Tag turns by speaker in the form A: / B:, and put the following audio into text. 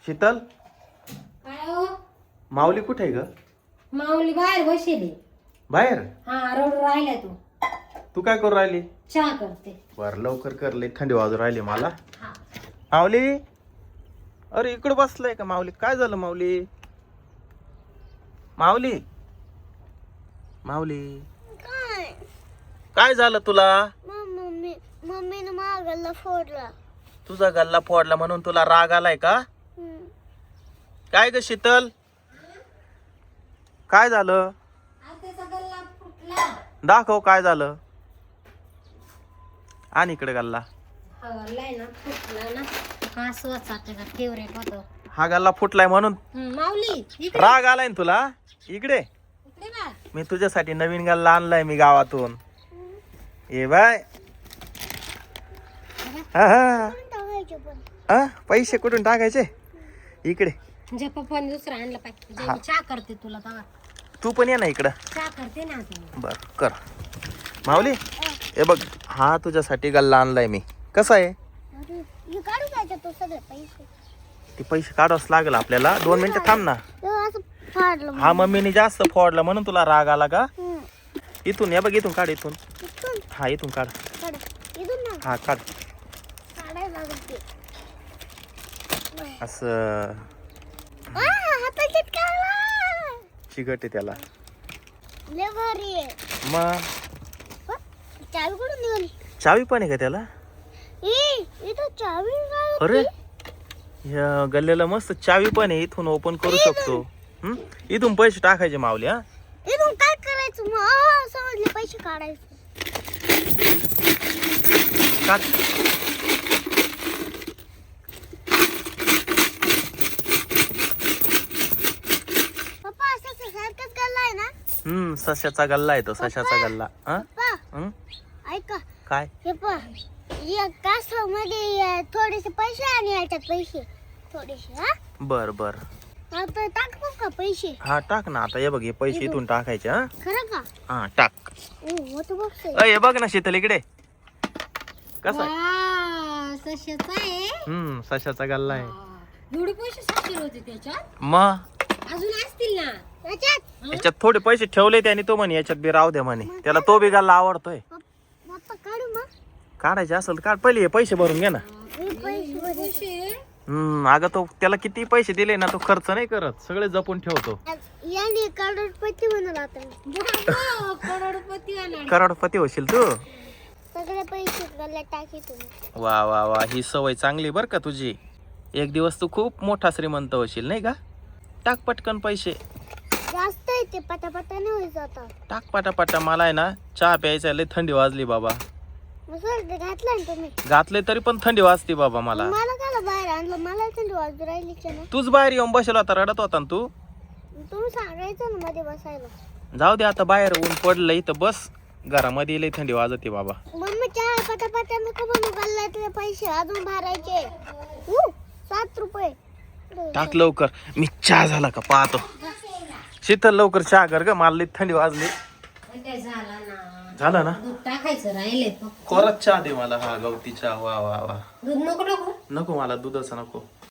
A: शीतल,
B: काय हो?
A: माऊली कुठे आहे ग?
B: माऊली बाहेर बसेली.
A: बाहेर?
B: हा रडू राहिला तू.
A: तू काय करू राहिली?
B: चहा करते.
A: बर लवकर कर, लई थंडी वाजू राहिली मला.
B: हा.
A: माऊली, अरे इकडे बसलाय का माऊली? काय झालं माऊली? माऊली, माऊली
C: काय
A: काय झालं तुला?
C: मम्मीने माझा गल्ला फोडला.
A: तुझा गल्ला फोडला म्हणून तुला राग आलाय का? काय ग शीतल, काय झालं?
B: त्याचा गल्ला फुटला.
A: दाखव काय झालं. आणि इकडे गल्ला.
B: हवालाय ना फुटला ना. कास वाचायचा फेवरेट होतं.
A: हा गल्ला फुटलाय म्हणून
B: माऊली इकडे
A: राग आलाय ना तुला? इकडे
B: इकडे बघ.
A: मी तुझ्यासाठी नवीन गल्ला आणलाय मी गावातून. ये बाय. हा, हा. हा, पैसे कुठून टाकायचे? इकडे.
B: तुझ्या पप्पाने दुसरा आणलं पाहिजे. जे
A: हा.
B: मी चहा करते तुला तेव्हा.
A: तू पण ये ना इकडं.
B: चहा करते ना आता.
A: बर कर. माऊली हे बघ, हा तुझ्यासाठी गल्ला आणलाय मी. कसा आहे?
C: काढू द्यायचे तो सगळे पैसे.
A: ते पैसे काढावंच लागेल आपल्याला. 2 मिनिटं थांब ना.
C: असं फाडलं.
A: हा मम्मीने जास्त फोडला म्हणून तुला राग आला का?
C: हम्म.
A: इथून ये बघ, इथून काढ, इथून.
C: इथून
A: हा इथून काढ.
C: काढ. इथून ना
A: हा काढ.
C: काढायला लागत ते.
A: असं
C: हातात चिटकावला.
A: चिकट आहे त्याला.
C: लय भारी आहे.
A: मग
C: चावी कुठून निघाली?
A: चावी पण आहे का त्याला?
C: इथं चावी काय?
A: अरे या गल्ल्याला मस्त चावी पण आहे. इथून ओपन करू शकतो. इथून पैसे टाकायचे माऊली. हा
C: इथून काय करायचं मग? समजले पैसे काढायचे.
A: काढ.
C: पप्पा असं सारखंच गल्ला आहे ना?
A: सशाचा गल्ला आहे तो. सशाचा गल्ला. हा
C: पप्पा ऐका
A: काय?
C: हे पहा या कासवामध्ये थोडेसे पैसे आणि याच्यात पैसे थोडेसे. हा
A: बर बर.
C: आता टाकू का पैसे?
A: हा टाक ना. आता हे बघ, हे पैसे इथून टाकायचे. हा
C: खरं का?
A: हा टाक.
C: मोठं बॉक्स आहे.
A: अय हे बघ ना शीतल, इकडे कसा आहे?
B: वा, सशाचा आहे.
A: सशाचा गल्ला आहे.
B: एवढे पैसे सापडले होते त्याच्यात.
A: मग
B: अजून असतील ना.
C: याच्यात
A: याच्यात थोडे पैसे ठेवले त्याने. तो म्हणे याच्यात बी राहू द्या म्हणे. त्याला तो बी गल्ला आवडतोय.
C: पप्पा काढू मग.
A: काढायचे असेल तर काढ. पहिले हे पैसे भरून घे ना.
C: हे पैसे
B: पैसे
A: अगं तो त्याला किती पैसे दिले ना, तो खर्च नाही करत. सगळे जपून ठेवतो.
C: याने करोडपती म्हणाला आता मी.
B: बाबा, करोडपती होणार.
A: करोडपती होशील तू.
C: सगळे पैसे गल्ल्यात टाकी तुम्ही.
A: वा वा वा, ही सवय चांगली बर का तुझी. एक दिवस तू खूप मोठा श्रीमंत होशील नाही का? टाक पटकन पैसे.
C: जास्त आहे ते पटापटा नाही होईल आता.
A: टाक पटापटा. मला आहे ना चहा प्यायचा, लय थंडी वाजली बाबा.
C: मग सर ते घातलं ना तुम्ही.
A: घातले तरी पण थंडी वाजते बाबा मला.
C: मला काला बाहेर आणलं? मला थंडी वाजू राहिली का ना?
A: तूच बाहेर येऊन बसेल होता, रडत होता ना तू.
C: तुम्ही सांगायचं ना मध्ये बसायला.
A: जाऊ दे आता, बाहेर ऊन पडलं इथं बस. घरामध्ये लय थंडी वाजते बाबा.
C: मम्मी चहा पटापटा नको बनवू. गल्ल्यातले पैसे अजून भरायचे. 7 रुपये.
A: टाक लवकर. मी चहा झाला का पाहतो. शीतल लवकर चहा कर ग, मला लय थंडी वाजली.
B: काय झाला ना.
A: झालं ना?
B: दूध टाकायचं राहिले फक्त.
A: कोरात चहा दे मला. हा गवती चहा. वा वा वा.
B: दूध नको नको.
A: नको मला दुधाचा नको.